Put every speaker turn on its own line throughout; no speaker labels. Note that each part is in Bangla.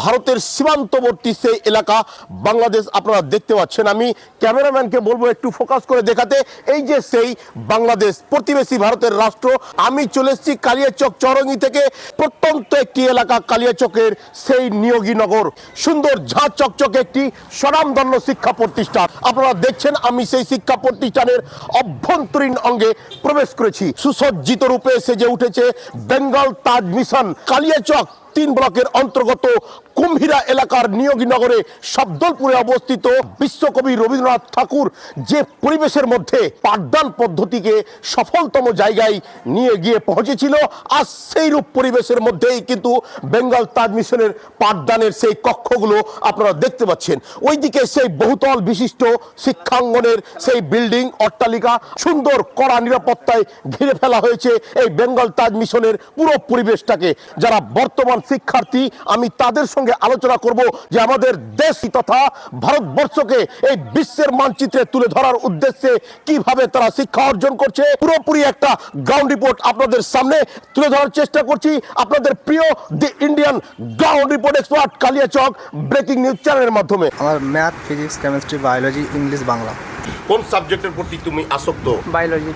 ভারতের সীমান্তবর্তী সেই এলাকা বাংলাদেশ আপনারা দেখতে পাচ্ছেন। আমি ক্যামেরাম্যানকে বলবো একটু ফোকাস করে দেখাতে। এই যে সেই বাংলাদেশ, প্রতিবেশী ভারতের রাষ্ট্র। আমি চলে এসেছি কালিয়াচক চৌরঙ্গি থেকে, প্রত্যন্ত একটি এলাকা কালিয়াচকের সেই নিয়োগীনগর। সুন্দর ঝাঁ চকচকে একটি স্বনামধন্য শিক্ষা প্রতিষ্ঠান। আপনারা দেখছেন আমি সেই শিক্ষা প্রতিষ্ঠানের অভ্যন্তরীণ অঙ্গে প্রবেশ করেছি। সুসজ্জিত রূপে সেজে উঠেছে বেঙ্গল তাজ মিশন। কালিয়াচক 3 ব্লকের অন্তর্গত কুম্ভীরা এলাকার নিয়োগীনগরে শব্দলপুরে অবস্থিত বিশ্বকবি রবীন্দ্রনাথ ঠাকুর যে পরিবেশের মধ্যে পাঠদান পদ্ধতিকে সফলতম জায়গায় নিয়ে গিয়ে পৌঁছেছিল, আর সেই রূপ পরিবেশের মধ্যেই কিন্তু বেঙ্গল তাজ মিশনের পাঠদানের সেই কক্ষগুলো আপনারা দেখতে পাচ্ছেন। ওইদিকে সেই বহুতল বিশিষ্ট শিক্ষাঙ্গনের সেই বিল্ডিং অট্টালিকা, সুন্দর কড়া নিরাপত্তায় ঘিরে ফেলা হয়েছে এই বেঙ্গল তাজ মিশনের পুরো পরিবেশটাকে। যারা বর্তমান শিক্ষার্থী, আমি তাদের সঙ্গে আলোচনা করব যে আমাদের দেশ তথা ভারতবর্ষকে এই বিশ্বের মানচিত্রে তুলে ধরার উদ্দেশ্যে কিভাবে তারা শিক্ষা অর্জন করছে। পুরোপুরি একটা গ্রাউন্ড রিপোর্ট আপনাদের সামনে তুলে ধরার চেষ্টা করছি আপনাদের প্রিয় the Indian ground report expert Kaliachak breaking news চ্যানেলের মাধ্যমে।
আমার math, physics, chemistry, biology, English, Bangla.
কোন সাবজেক্টের প্রতি তুমি আসক্ত?
বায়োলজি।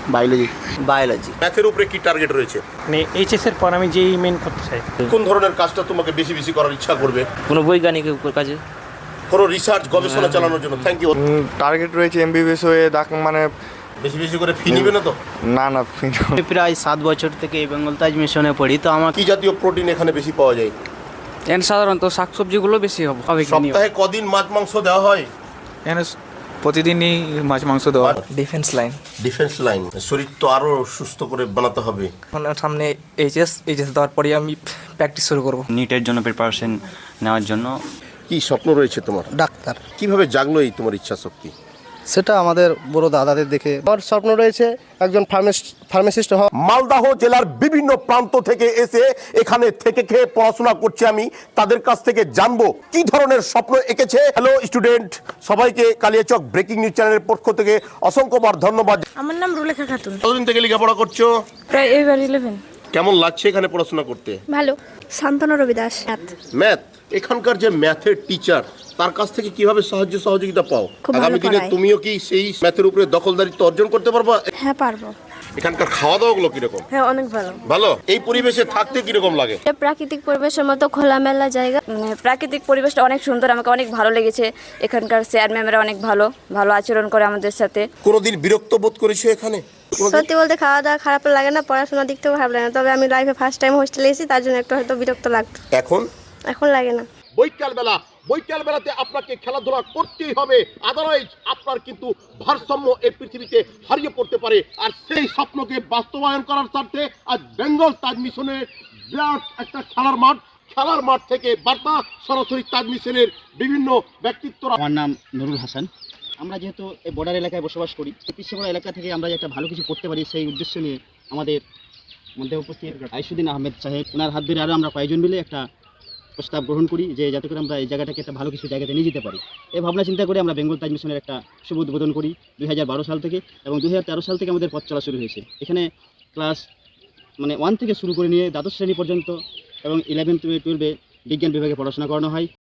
ম্যাথের উপরে কি টার্গেট রয়েছে?
মানে এইচএস এর পর আমি যেই মেন করতে চাই।
কোন ধরনের কাজটা তোমাকে বেশি বেশি করার ইচ্ছা করবে?
কোনো বৈজ্ঞানিক কাজে,
কোনো রিসার্চ গবেষণা চালানোর জন্য। Thank you.
টার্গেট রয়েছে এমবিবিএস হয়ে মানে
বেশি বেশি করে ফি নিবে না তো?
না
আমি প্রায় 7 বছর থেকে এই বেঙ্গল তাজ মিশনে পড়ি। তো আমার
কি জাতীয় প্রোটিন এখানে বেশি পাওয়া যায়?
এখানে সাধারণত শাকসবজিগুলো বেশি হবে।
সপ্তাহে কদিন মাছ মাংস দেওয়া হয়?
এখানে প্রতিদিনই মাছ মাংস দেওয়া।
Defence line.
Defence line. শরীর তো আরো সুস্থ করে বানাতে হবে।
সামনে এইচএস দেওয়ার পরে আমি প্র্যাকটিস শুরু করব নিটের জন্য প্রিপারেশন নেওয়ার জন্য।
কি স্বপ্ন রয়েছে তোমার?
ডাক্তার।
কিভাবে জাগলো এই তোমার ইচ্ছা শক্তি?
সেটা আমাদের বড় দাদাদের দেখে। আমার স্বপ্ন রয়েছে একজন ফার্মাসিস্ট হওয়া।
মালদহ জেলার বিভিন্ন প্রান্ত থেকে এসে এখানে থেকে খেয়ে পড়াশোনা করছে। আমি তাদের কাছ থেকে জানবো কি ধরনের স্বপ্ন এঁকেছে। হ্যালো স্টুডেন্ট, সবাইকে কালিয়াচক ব্রেকিং নিউজ চ্যানেলের পক্ষ থেকে অসংখ্যবার ধন্যবাদ।
আমার নাম রুলেখা খাতুন।
কতদিন থেকে লেখাপড়া করছো?
প্রায় এবার 11।
কেমন লাগছে এখানে পড়াশোনা করতে?
ভালো। শান্তনু রবি দাস।
ম্যাথ। এখানকার যে ম্যাথের টিচার, তার কাছ থেকে কিভাবে সাহায্য সহযোগিতা পাও?
খুব ভালো
আগামী দিনে
পড়ায়।
তুমিও কি সেই ম্যাথের উপরে দখলদারিত্ব অর্জন করতে পারবা?
হ্যাঁ পারবো।
এখানকার খাওয়া দাওয়া গুলো কিরকম?
হ্যাঁ অনেক ভালো।
ভালো। এই পরিবেশে থাকতে কিরকম লাগে?
প্রাকৃতিক পরিবেশের মতো খোলামেলা জায়গা। প্রাকৃতিক পরিবেশটা অনেক সুন্দর, আমাকে অনেক ভালো লেগেছে। এখানকার স্যার ম্যামরা অনেক ভালো আচরণ করে আমাদের সাথে।
কোনোদিন বিরক্ত বোধ করেছো এখানে?
সত্যি বলতে খাওয়া দাওয়া খারাপ লাগে না, পড়াশোনার দিক থেকেও খারাপ লাগে না। তবে আমি লাইফে ফার্স্ট টাইম হোস্টেলে এসেছি, তার জন্য একটু হয়তো বিরক্ত লাগতো। এখন লাগে না।
বৈকাল বেলাতে আপনাকে খেলাধুলা করতেই হবে, আদারওয়াইজ আপনার কিন্তু ভারসাম্য এই পৃথিবীতে হারিয়ে পড়তে পারে। আর সেই স্বপ্নকে বাস্তবায়ন করার স্বার্থে আজ বেঙ্গল তাজ মিশনের বিরাট একটা খেলার মাঠ থেকে বার্তা সরাসরি তাজ মিশনের বিভিন্ন ব্যক্তিত্বরা।
আমার নাম নুরুল হাসান। আমরা যেহেতু এই বর্ডার এলাকায় বসবাস করি, এই পিছিয়ে এলাকা থেকে আমরা যে একটা ভালো কিছু করতে পারি সেই উদ্দেশ্য নিয়ে আমাদের মধ্যে উপস্থিত আইসুদ্দিন আহমেদ সাহেব, ওনার হাত ধরে আরও আমরা কয়েকজন মিলে একটা প্রস্তাব গ্রহণ করি যে যাতে করে আমরা এই জায়গাটাকে একটা ভালো কিছু জায়গাতে নিয়ে যেতে পারি। এই ভাবনা চিন্তা করে আমরা বেঙ্গল তাজ মিশনের একটা শুভ উদ্বোধন করি 2012 সাল থেকে, এবং 2013 সাল থেকে আমাদের পথ চলা শুরু হয়েছে। এখানে ক্লাস 1 থেকে শুরু করে নিয়ে দ্বাদশ শ্রেণী পর্যন্ত এবং 11 থেকে 12 বিজ্ঞান বিভাগে পড়াশোনা করানো হয়।